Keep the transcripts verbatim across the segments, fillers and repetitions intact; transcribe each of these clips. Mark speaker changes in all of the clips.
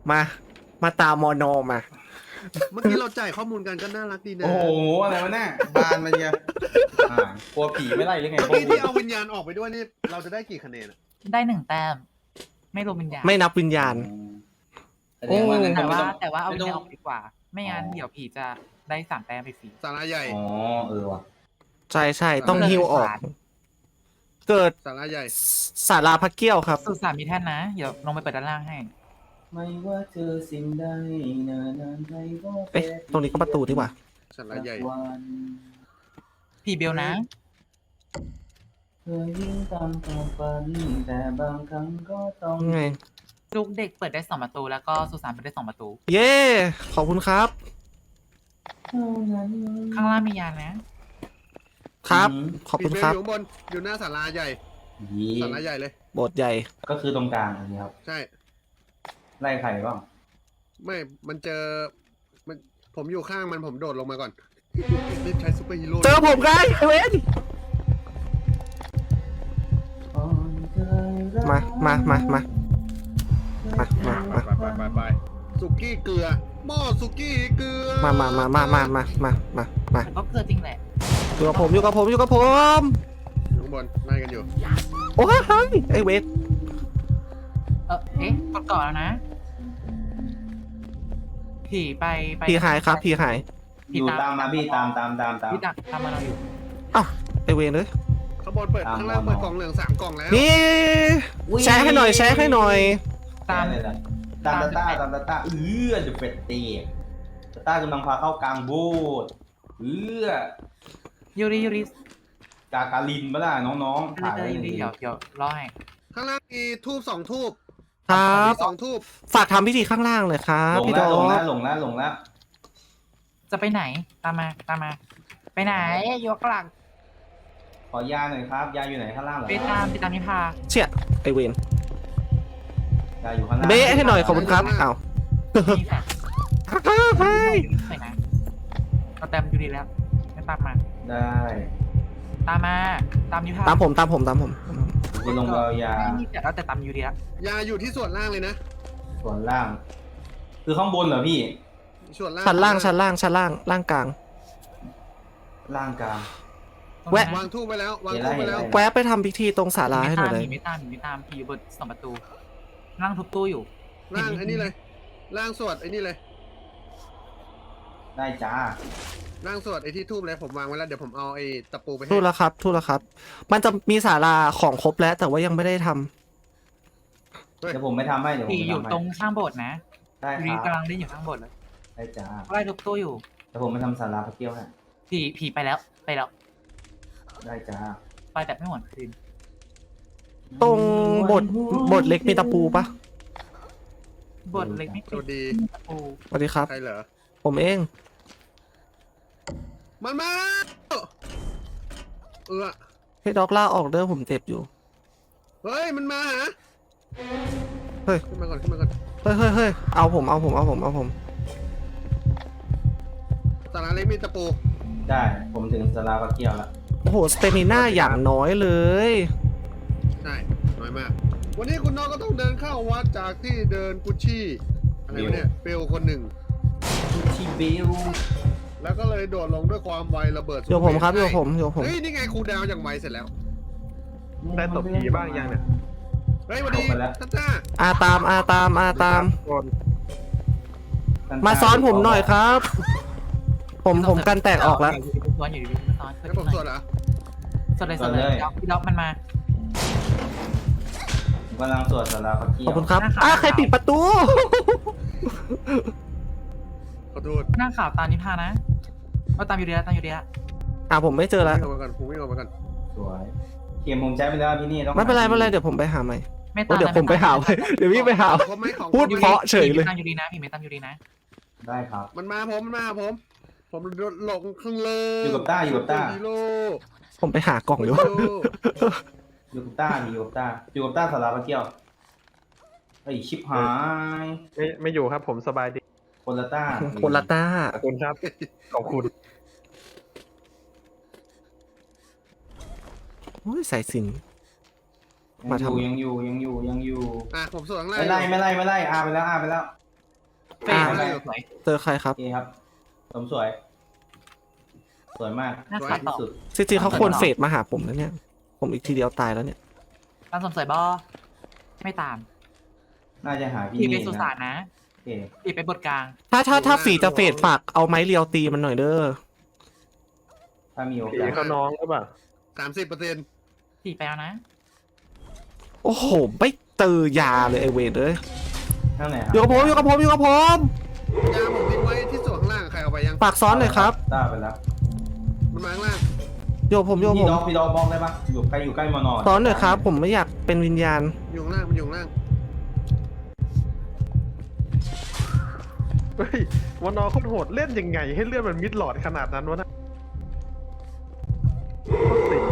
Speaker 1: มามาตามมอนอมา
Speaker 2: เมื่อกี้เราจ่ายข้อมูลกันก็น่ารักดีนะ
Speaker 3: โอ้โหอะไรวะเนี่ยบานมันเนี่ยอ่ากลัวผีไม่ไล่หรือไง
Speaker 2: เมื่อกี้ที่เอาวิญญาณออกไปด้วยนี่เราจะได้กี่คะแนนอะ
Speaker 4: ได้หนึ่งแต้มไม่รวมวิญญาณ
Speaker 1: ไม่นับวิญญาณ
Speaker 3: แสดงว่างั้นก็
Speaker 4: แต่
Speaker 3: ไม่
Speaker 4: ว่า
Speaker 3: ต้อง
Speaker 4: แต่ว่าเอา
Speaker 3: ไม่
Speaker 4: วิญ
Speaker 3: ต้อง
Speaker 4: ญาณออกดีกว่า ไม่งั้น
Speaker 3: อ๋อ
Speaker 4: เดี๋ยวผีจะได้สามแต้มไปฟรี
Speaker 2: สาราใหญ่
Speaker 3: อ๋อเออว่ะ
Speaker 1: ใช่ใช่ต้องฮิวออก เกิด
Speaker 2: สาราใหญ่
Speaker 1: ศาลาพระเกี้ยวครับ
Speaker 4: สุสานมีแท่นนะเดี๋ยวลงไปเปิดด้านล่างให้
Speaker 3: ไม่ว่าเจอสิ่งใดนานานใดก็
Speaker 1: เอ๊ะตรงนี้ก็ประตูดีกว่า
Speaker 2: สาราใหญ่
Speaker 3: วัน
Speaker 4: ผีเบลนะ
Speaker 3: เคยวิ่งตามความฝันแต่บางครั้งก็ต้อง
Speaker 1: ไง
Speaker 4: ลูกเด็กเปิดได้สองประตูแล้วก็สุสานเปิดได้สองประตู
Speaker 1: เย้ขอบคุณครับ
Speaker 3: เท่านั้น
Speaker 4: ข้างล่างมียานนะ
Speaker 1: ครับ ขอบ
Speaker 2: ปิ
Speaker 1: คุ
Speaker 2: ด
Speaker 1: ณ
Speaker 2: เบล
Speaker 1: ครับ
Speaker 2: อยู่ข้างบนอยู่หน้าศาลาใหญ่
Speaker 3: ยี่
Speaker 2: ศาลาใหญ่เลย
Speaker 1: โบสถ์ใหญ่
Speaker 3: ก็คือตรงกลางอันนี้ครับ
Speaker 2: ใช่
Speaker 3: ไล่ใครบ้าง
Speaker 2: ไม่มันเจอมันผมอยู่ข้างมันผมโดดลงมาก่อนรีบใช้ซูเปอร์ฮีโร่
Speaker 1: เจอผมไงไอเวน มา มา มา มา มา มา มา
Speaker 2: ไปไปไปไปสุกี้เกลือหม้อสุกี้เกลือ
Speaker 1: มา มา มา มา มา มา มา มา มา
Speaker 4: แต่ก็เกลือจริงแหละ
Speaker 1: อยู่กับผม อยู่กับผม อยู่กับผม
Speaker 2: อยู่ข้างบนไล่กันอยู่
Speaker 1: โอ้ยไอเวน
Speaker 4: เออเอ๊ะกดก่อนแล้วนะ ผีไปไป
Speaker 1: ผีหายครับผีหาย
Speaker 3: อยู่ตามมาพี่ตามตามตามตาม
Speaker 4: ผีดักตามมาเราอยู่
Speaker 1: อ้าวไอเวนเลย
Speaker 2: ข้างบนเปิด
Speaker 3: ตาม
Speaker 2: ข้างล่าง
Speaker 3: มอ
Speaker 2: เปิดกล่องเหลืองสามกล่องแล้ว
Speaker 1: นี่ แชร์ให้หน่อย แชร์ให้หน่อย
Speaker 4: ตาม
Speaker 3: เลยนะตามตาต้าตามตาต้าเอื้อเดอะเฟตเตีตาต้ากำลังพาเข้ากลางโบสถ์เอื้อ
Speaker 4: ยูริยูริ
Speaker 3: กากาลินมาล่ะน้องๆ
Speaker 4: ยู
Speaker 3: ถ่าย
Speaker 4: ริ
Speaker 3: ไว้
Speaker 4: ยูริ
Speaker 3: ดี
Speaker 4: เดี๋ยวเดี๋ยวรอให้
Speaker 2: ข้างล่างมีทูบสองทูบ
Speaker 1: ครับ
Speaker 2: มีสองทูบ
Speaker 1: ฝากทำพิธีข้างล่างเลยครับ
Speaker 3: หลง
Speaker 1: พี่ด
Speaker 3: แล้
Speaker 1: อ
Speaker 3: วหลงแล้ว
Speaker 1: ก
Speaker 3: หลงแล้วหลงแล้ว
Speaker 4: จะไปไหนตามมาตามมา ไปไหนยกหลัง
Speaker 3: ขอยาหน่อยครับ ยาอยู่ไหนข้างล่างเหรอ
Speaker 4: ไปตามไปตามนิพา
Speaker 1: เชี่ยไอเวน
Speaker 3: ยาอยู่ข้างล่าง
Speaker 1: เบ๊ะให้หน่อยขอบคุณครับอ้าว
Speaker 4: มีแฟลช
Speaker 1: เฮ้ย
Speaker 4: ไปนะเราแต้มยูริแล้วไม่ตามมา
Speaker 3: ได้
Speaker 4: ตามมาตามนิพา
Speaker 1: ตามผมตามผมตามผม
Speaker 3: คุณลงไปเอายา
Speaker 4: ไม่มีแต่เราแต่ตามยูริแล้ว
Speaker 2: ยาอยู่ที่ส่วนล่างเลยนะ
Speaker 3: ส่วนล่าง คือข้างบนเหรอพี่
Speaker 2: ส่วนล่าง
Speaker 1: ชั้นล่างชั้นล่างชั้นล่างล่างกลาง
Speaker 3: ล่างกลาง
Speaker 1: แวะ
Speaker 2: วางทูบไปแล้ววางทูบไปแล้ว
Speaker 1: แวะไปทำพิธีตรงศาลาให้หน่อยเลย
Speaker 4: ผีไม่ตามผีไม่ตามผีอยู่บนสองประตูนั่งทุบตู้อยู่
Speaker 2: ล่างไอ้นี่เลย ล่างสวดไอ้นี่เลย
Speaker 3: ได้จ้า
Speaker 2: ล่างสวดไอ้ที่ทูบเลยผมวางไว้แล้วเดี๋ยวผมเอาไอ้ตะปูไปให้
Speaker 1: ทูแล้วครับทูแล้วครับ มันจะมีศาลาของครบแล้วแต่ว่ายังไม่ได้ทำ
Speaker 3: เดี๋ยวผมไม่ทำให้เดี๋ยวผม
Speaker 4: ผี
Speaker 3: ไม่
Speaker 4: อยู่
Speaker 3: ทำให้
Speaker 4: ตรงข้างโบสถ์นะ
Speaker 3: ได้
Speaker 4: ยู
Speaker 3: ค
Speaker 4: ริ
Speaker 3: รับ
Speaker 4: กำลังเล่นอยู่ข้างโบสถ์เลย
Speaker 3: ได้จ้า
Speaker 4: ไล่ทุบตู้อยู่
Speaker 3: เดี๋ยวผมไปทำสาราพระเกี้ยวให้
Speaker 4: ผีผีไปแล้วไปแล้ว
Speaker 3: ได้จ้า
Speaker 4: ไปแต่ไม่หวนคืน
Speaker 1: ตรงบทบทเล็กมีตะปูปะ
Speaker 4: โบสถ์เล็กไม่
Speaker 2: สวัสดี
Speaker 4: ตะปู
Speaker 1: สวัสดีครับ
Speaker 2: ใครเหรอ
Speaker 1: ผมเอง
Speaker 2: มันมาเออ
Speaker 1: ให้ด็อกล่าออกเด้อผมเจ็บอยู่
Speaker 2: เฮ้ยมันมาหา
Speaker 1: เฮ้ย
Speaker 2: ขึ้นมาก่อนขึ้นมาก่อน
Speaker 1: เฮ้ยเฮ้ยเฮ้ยเอาผมเอาผมเอาผมเอาผม
Speaker 2: สาราเล็กมีตะปู
Speaker 3: ได้ผมถึงสาราพระเกี้ยวแล้ว
Speaker 1: โอ้โหสเตมิน่าอย่างน้อยเลย
Speaker 2: ใช่น้อยมาก วันนี้คุณน้องก็ต้องเดินเข้าวัดจากที่เดินกุชชี่อะไรวะเนี่ยเปลวคนหนึ่ง
Speaker 3: ทีเบล
Speaker 2: แล้วก็เลยโดดลงด้วยความไวระเบิด
Speaker 1: โยผมครับโยผมโยผม
Speaker 2: เฮ้ยนี่ไงครูดาวอย่างไวเสร็จแล้ว
Speaker 5: ได้ตบผีบ้างยังเนี่ย
Speaker 2: เฮ้ยวันนี้ท่านจ้า
Speaker 1: อาตามอาตามอาตาม
Speaker 5: คน
Speaker 1: มาซ้อนผมหน่อยครับ ผมผมกันแตกออกแล้ว
Speaker 4: อยู่ดีๆซ้อนอยู่ดีๆซ้อน
Speaker 2: ให้ผมสวดเหรอ
Speaker 4: สวดเลยสวดเลยด็อกด็อกมันมา
Speaker 3: ผมกำลังสวดสาราพระเกี้
Speaker 1: ข
Speaker 3: ย
Speaker 1: อบ
Speaker 3: ว
Speaker 1: คุณครับอ่ะใครปิดประตู
Speaker 2: ขอโทษ
Speaker 4: หน้าข่าวตามนิพานะเอาตามยูริแล้วตามยูริแล้ว
Speaker 1: อ่ะผมไม่เจอแล้ว
Speaker 2: วิ่งออกมาก่อนผมวิ่งออกมาก่อน
Speaker 3: สวยเข็มผมใช้ไปแล้วพี่นี่ต้อง
Speaker 1: ไม่เป็นไรไม่เป็นไรเดี๋ยวผมไปหาใหม่
Speaker 4: ไม่
Speaker 1: โอ้
Speaker 4: ตาม
Speaker 1: เดี๋ยวผมไปหาไปเดี๋ยวพี่ไปหา
Speaker 2: ผมไม่ของ
Speaker 1: พูด
Speaker 2: ผม
Speaker 1: เพราะเฉยเลย
Speaker 4: ผีไม่ตามยูรินะผีไม่ตามยูรินะ
Speaker 3: ได้ครับ
Speaker 2: มันมาผมมันมาผม ผมหลงข้างเลย
Speaker 3: อยู่กับต้าอยู่กับต้า
Speaker 2: ฮีโร่
Speaker 1: ผมไปหากล่องอยู่
Speaker 2: ฮีโร่
Speaker 3: อยู่กับต้าอยู่กับต้าอยู่กับต้าสาราพระเกี้ยวไอ้ยชิบหาย
Speaker 5: ไม่ไม่อยู่ครับผมสบายดี
Speaker 3: คนละต้า
Speaker 1: คนละต้า
Speaker 5: ขอบคุณครับ ขอบคุณ
Speaker 1: โอ้ยสายสิญจน
Speaker 3: ยังอยู่ยังอยู่ยังอยู่ยังอยู่
Speaker 2: อ่ะผมสวดข้างล่าง
Speaker 3: ไม่ไล่ไม่ไล่ไม่ไล่อาไปแล้วอาไปแล้ว
Speaker 4: เฟย์อะไรสวย
Speaker 1: เจอใครครับ
Speaker 3: โอเคครับสมสวย สวยมาก
Speaker 4: น่า
Speaker 3: สวย
Speaker 4: ขัดต่
Speaker 3: ที่
Speaker 4: อ
Speaker 3: สุด
Speaker 1: จริงๆเขาควรเฟดมาหาผมนะเนี่ย ผมอีกทีเดียวตายแล้วเนี่ย
Speaker 4: ตามสมสวยบอไม่ตาม
Speaker 3: น่าจะหาพี่
Speaker 4: ผีไป
Speaker 3: นี่
Speaker 4: สุสาน
Speaker 3: นะ
Speaker 4: นะ
Speaker 3: โอเค
Speaker 4: ผีไปบทกลาง
Speaker 1: ถ้าถ้าถ้าฝีจะเฟดฝากเอาไม้เรียวตีมันหน่อยเด้อ
Speaker 3: ถ้ามีโอ
Speaker 5: ผี
Speaker 3: กาส
Speaker 5: เขาน้องหรือเปล่า
Speaker 2: สามสิบเปอร์เซ็นต์
Speaker 4: ผีไปแล้วนะ
Speaker 1: โอ้โห ไม่เจอยาเลยไอเวนเลย
Speaker 3: ข้างไหนค
Speaker 1: อ
Speaker 3: รั
Speaker 1: ยู่กับผมอยู่กับผมอยู่กับผม
Speaker 2: ยาผมทิ้งไว้ที่ส่วนข้างล่างใครเอาไปยัง
Speaker 1: ฝากซ้อนหน่อยครับ
Speaker 3: ต้าไปแล้ว
Speaker 2: มันมาข้างล่าง
Speaker 1: อยู่กับผมอยู่กับ
Speaker 3: พี่
Speaker 1: ผม
Speaker 3: ดอกพี่ดอกบอกได้ปะอยู่ใกล้อยู่ใกล้มอนอน
Speaker 1: ซ้อนหน่อยครับ ผมไม่อยากเป็นวิญญาณ
Speaker 2: อยู่ข้างล่างมันอยู่ข้างล่าง
Speaker 5: เฮ้ยวันนอโคตรโหดเล่นยังไง ให้เลือดมันมิดหลอดขนาดนั้นวะนะโคตรติด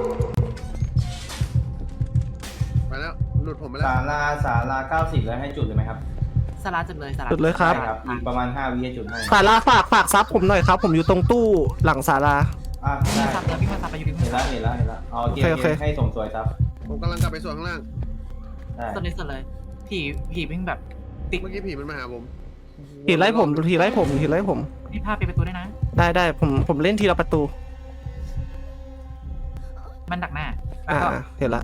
Speaker 2: ไปแล้วหลุดผมไปแล้ว
Speaker 3: ศาลาศาลาเก้าสิบแล้วให้จุดเลยไหมครับ
Speaker 4: สลาจุดเลยสลา
Speaker 1: จุดเลยครับ
Speaker 3: ได้ครับอีกประมาณห้าวิให้จุดให้
Speaker 1: ศาลาฝากฝากซับผมหน่อยครับ ผมอยู่ตรงตู้หลังศาลา
Speaker 3: อ่ะ
Speaker 4: พี่
Speaker 3: ได้
Speaker 4: มาซับแล้วพี่มาซับไปอยู่พี่
Speaker 3: เห็น
Speaker 4: มา
Speaker 3: แล้ว
Speaker 4: ซับ
Speaker 3: เห็นแล้วเห็นแล้วเอาเกม
Speaker 1: โอเคโอเค
Speaker 3: ให้ส่งสวยครับ
Speaker 2: ผมกำลังกลับไปส่วนข้างล่าง
Speaker 3: ได้
Speaker 4: สุดเลยสุดเลย ผีผีวิ่งแบบติ๊ก
Speaker 2: เมื่อกี้ผีมันมาหาผม
Speaker 1: ผีไล่ผมผีไล่ผมผีไล่ผม
Speaker 4: นี่พาไปประตูด้วยนะ
Speaker 1: ได้ได้ผมผมเล่นทีละประตู
Speaker 4: มันดักหน้า แล้ว
Speaker 1: อ่า
Speaker 4: ก็
Speaker 1: เห็นละ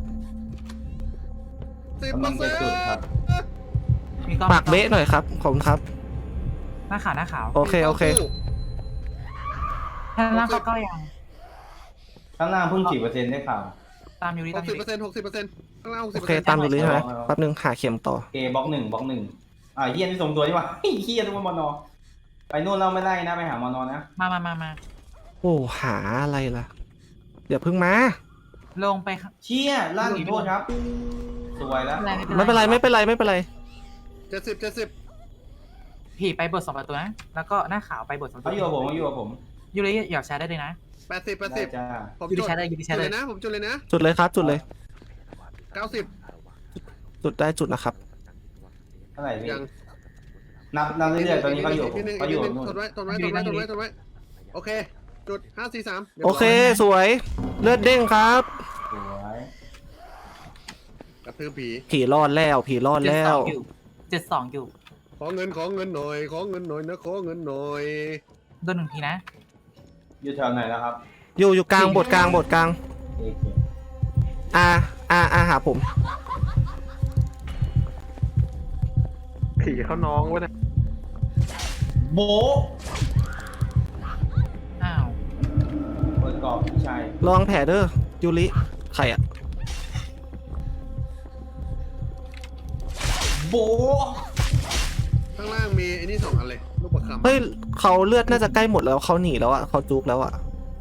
Speaker 2: สิบ
Speaker 3: กำ
Speaker 2: เป
Speaker 3: ลั
Speaker 2: อง ร์
Speaker 3: จะ
Speaker 2: เซ็น
Speaker 3: จุด
Speaker 2: ต์
Speaker 3: ครับ
Speaker 4: มีกล้อง
Speaker 1: ปากเบะหน่อยครับขอบคุณครับ
Speaker 4: หน้าขาวหน้าขาว
Speaker 1: โอเคโอเค
Speaker 4: ข้างล่างเขาก็ยัง
Speaker 3: ข้างล่างเพิ่งกี่เปอร์เซ็นต์ได้ข่าว
Speaker 4: ตามอยู่ดี
Speaker 2: ห
Speaker 4: ตาม
Speaker 2: ก
Speaker 4: อ
Speaker 2: สิบ
Speaker 4: ยู่
Speaker 2: เปอร์เซ็นต์หกสิบเปอร์เซ็นต์ข้างล่างหกสิ
Speaker 1: โอบ
Speaker 2: เปอ
Speaker 1: เค
Speaker 2: ร์เซ็นต์
Speaker 1: ตามดูเลยใช่ไหม
Speaker 3: เอาเอา
Speaker 1: แป๊บนึงหาเข็มต่อ
Speaker 3: โอเคบล็อกหนึ่งบล็อกหนึ่งอ่าเฮียนี่ส่งตัวดีกว่าเฮียทุกคนมอนอไปนู่นเราไม่ไล่นะไปหามอนอนะ
Speaker 4: มามามามา
Speaker 1: โอ้หาอะไรล่ะเดี๋ยวเพิ่งมา
Speaker 4: ลงไปข้าง
Speaker 3: เชี่ยล่าหนีโทษครับ สวยแล้ว
Speaker 1: ไม่เป็นไรไม่เป็นไรไม่เป็นไร
Speaker 2: เจ็ดสิบเจ็ดสิบ
Speaker 4: ผีไปบทสองประตูนะ แล้วก็หน้าขาวไปบทสองประ
Speaker 3: เขา
Speaker 4: ตู
Speaker 3: อยู่กับผมเขาอยู่กับผม
Speaker 4: ยูริอยากแชร์ได้เลยนะ
Speaker 2: แปดสิบแปด
Speaker 3: ได้
Speaker 2: สิบ
Speaker 3: จ้า
Speaker 2: ผม
Speaker 4: ยูริ
Speaker 2: จุด
Speaker 4: แชร์ได้ยูริแช
Speaker 2: จุด
Speaker 4: ร์
Speaker 2: เล
Speaker 4: ได้
Speaker 2: ยนะผมจุดเลยนะ
Speaker 1: จุดเลยครับ จุดเลย
Speaker 2: เก้าสิบ
Speaker 1: จุดได้จุดนะครับ
Speaker 3: เท่าไหร่พี่
Speaker 2: ยัง
Speaker 3: นับนับเรื่อยๆตอนนี้เขาอยู่
Speaker 2: กนิดนึง
Speaker 3: เขาอยู่
Speaker 2: กนิดนึง
Speaker 3: นู่น
Speaker 2: ทนไว้ทนไว้ทนไว้ทนไว้ทนไว้โอเค จุดห้าสี่สาม
Speaker 1: โอเคสวย เลือดเด้งครับ
Speaker 3: สวย
Speaker 2: กระทืบผี
Speaker 1: ผีรอดแล้ว ผีรอด
Speaker 4: เจ็ด
Speaker 1: แล้
Speaker 4: สอ
Speaker 1: ว
Speaker 4: งอยู่เจ็ดสองอยู่
Speaker 2: ขอเงินขอเงินหน่อยขอเงินหน่อยนะขอเงินหน่อย
Speaker 4: โดนหนึ่งทีนะ
Speaker 3: อยู่แถวไหนแล้วครับ
Speaker 1: อยู่อยู่กลางบทกลางบทกลาง
Speaker 3: โอเค
Speaker 1: อาอาอาหาผม
Speaker 5: ผีเขาน้องวะเนี่ย
Speaker 3: โบะ
Speaker 4: อ้าว
Speaker 3: เปิดกรอบพี่ชาย
Speaker 1: ระวังแผลเด้อยูริใครอะ
Speaker 3: โบะ
Speaker 2: ข้างล่างมีไอ้นี่สองอันเลยลูกประคำ
Speaker 1: เฮ้ยเขาเลือดน่าจะใกล้หมดแล้วเขาหนีแล้วอะเขาจุกแล้วอะ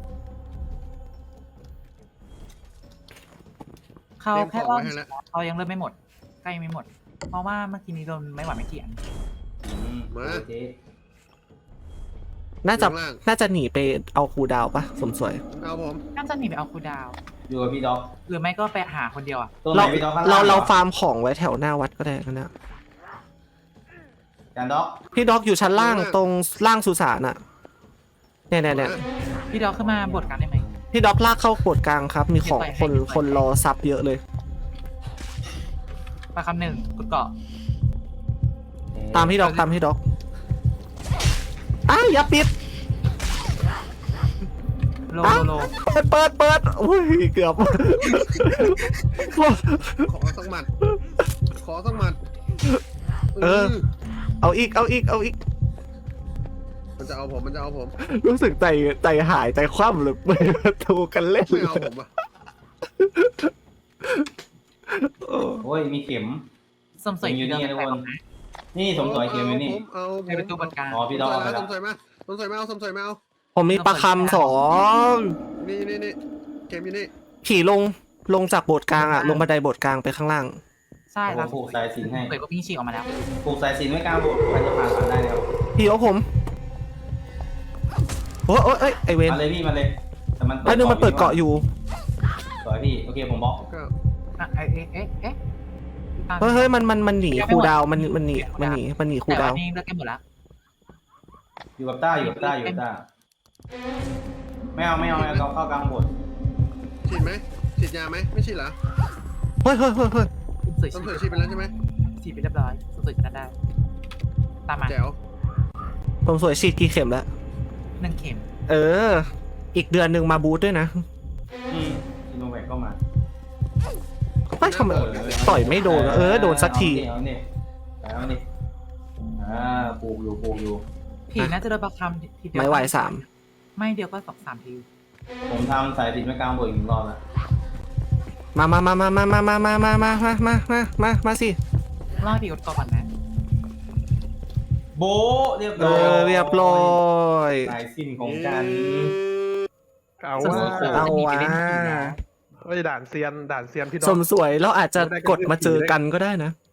Speaker 4: เขา
Speaker 2: เตรียมข
Speaker 4: แค่
Speaker 2: อง
Speaker 4: ว่า
Speaker 2: ไว้ให้แล้ว
Speaker 4: เขายังเริ่มไม่หมด ใกล้ไม่หมด เพราะว่าเมื่อกี้นี้โดนไม่หวานไม่เกี่ยง
Speaker 3: อืมโอเค
Speaker 1: น่าจะ
Speaker 2: ข้างล่าง
Speaker 1: น่าจะหนีไปเอาครูดาวปะสมสวย
Speaker 2: เอาผม
Speaker 4: น่าจะหนีไปเอาคูลดาวน์
Speaker 3: อยู่กับพี่ด็อก
Speaker 4: หรือไม่ก็ไปหาคนเดียวอ่ะ
Speaker 3: ตัวไหน
Speaker 1: เรา
Speaker 3: พี่ด็อกข้าง
Speaker 1: เรา
Speaker 3: ล่าง
Speaker 1: เรา
Speaker 3: หอ
Speaker 1: ฟาร์มของไว้แถวหน้าวัดก็ได้กันนะ
Speaker 3: จานด็อก
Speaker 1: พี่ด็อกอยู่ชั้นล่างตรงล่างสุสานอะเนี่ยเนี่ยเนี่ย
Speaker 4: พี่ดอกขึ้นมาบทกันได้ไหม
Speaker 1: พี่ด็อกลากเข้าโขดกลางครับ มีของคนคนรอซับเยอะเลย
Speaker 4: ปลาคำหนึ่งกุดเกาะ
Speaker 1: ตามพี่ด็อกตามพี่ด็อกอ้าวอย่าปิด
Speaker 4: โล
Speaker 1: อ้าว
Speaker 4: โลโล
Speaker 1: เปิดเปิดเปิดอุ้ยเกือบ
Speaker 2: ขอสักหมัดขอสักหมัด
Speaker 1: เออ เอาอีกเอาอีกเอาอีก
Speaker 2: มันจะเอาผมมันจะเอาผม
Speaker 1: รู้สึกใจใจหายใจคว่ำเลยเปิดประตูกันเล่น
Speaker 2: ไม่เอาผมอ่ะ
Speaker 1: โอ้
Speaker 3: โอ้ยมีเข็ม
Speaker 4: สมสวย
Speaker 3: อยู่นี่
Speaker 4: เดิ
Speaker 3: ทุก
Speaker 4: ไป
Speaker 3: คน
Speaker 4: นะ
Speaker 3: นี่สมสวยเข็มอยู่นี่
Speaker 2: ผมเอาผม
Speaker 4: ไปประตูบทกลาง
Speaker 3: อ๋อพี่ด็อกเอาไป
Speaker 2: ส
Speaker 3: แล้ว
Speaker 2: มสวยมาสมสวยมาเอาสมสวยมาเอา
Speaker 1: ผมมีประคำสอง
Speaker 2: นี่นี่นี่เกมอยู่นี่
Speaker 1: ผีลงลงจากโบสถ์กลางอะลงบันไดโบสถ์กลางไปข้างล่าง
Speaker 4: ใช่
Speaker 3: ผม
Speaker 4: แล้ว
Speaker 3: ผูกสายสิญจนให้
Speaker 4: สวยก็วิ่งฉีกออกมาแล้ว
Speaker 3: ผูกสายสิญจนไว้กลางโบสถ์ใครจะผ่านผ่านได้แล้ว
Speaker 1: พี่เอาผมโอ้ยโอ้ยเอ้ยไอเวน
Speaker 3: มาเลยพี่มาเลยแต่มัน
Speaker 1: ไอ้นึงมันเปิดเกาะอยู่
Speaker 3: สวยพี่โอเคผมบล็อก
Speaker 2: ก็
Speaker 4: อ่ะเอ๊ะเอ๊ะเอ๊ะเอ๊ะตาม
Speaker 1: เฮ้ยเฮ้ยมันมันมันหนีครูดาวมันมันหนีมันหนีมันหนีครู
Speaker 4: แต่
Speaker 1: ดา
Speaker 4: ว่าว นี่เลิกกันหมดแล้ว
Speaker 3: อยู่กับต้าอยู่กับต้าอยู่กับต้าไม่เอาไม่เอาเราเข้ากลางโบสถ์
Speaker 2: ฉีดไหมฉีดยาไหมไม่ฉีดเหรอ
Speaker 1: เฮ้ยเฮ้ยเฮ้ยเฮ้ย
Speaker 4: สวย
Speaker 2: สมสวย
Speaker 4: ฉี
Speaker 2: ฉีดไปแล้วใช่ไหม
Speaker 4: ฉีดไปเรียบร้อยสวยจะได้ตามมา
Speaker 2: แจ๋ว
Speaker 1: ผมสวยฉีดกี่เข็มแล้ว
Speaker 4: หนึ่งเข็ม
Speaker 1: เออ อีกเดือนหนึ่งมาบูทด้วยนะ
Speaker 3: อืมซีโนแวคก็มา
Speaker 1: ไม่ทำไมต่อยไม่โดนวะเออโดนสักที
Speaker 3: เอาดิเอาดิเอาดิอ่าปลูกอยู่ปลูกอยู่
Speaker 4: ผีน่าจะโดนประคำทีเดียว
Speaker 1: ไม่ไหวสาม
Speaker 4: ไม่เดียวก็สองสามที
Speaker 3: ผมทำสายติดไม่กลางบวกอีกหนึ่งรอบแล้ว
Speaker 1: มามามามามามามามามามามามามามามาสิ
Speaker 4: รอดผีกดก่อนนะ
Speaker 3: โบะเรียบ
Speaker 1: เอ
Speaker 3: ร้อย
Speaker 1: อเรียบร้อย
Speaker 3: สายสิ้นของกัน
Speaker 5: เอาว่า
Speaker 1: เอาว่ะ
Speaker 5: เฮ้ยด่านเซียนด่านเซียนพี่น้
Speaker 1: ส
Speaker 5: อง
Speaker 1: มสวยเราอาจจะกดมาเจอกันก็ได้นะ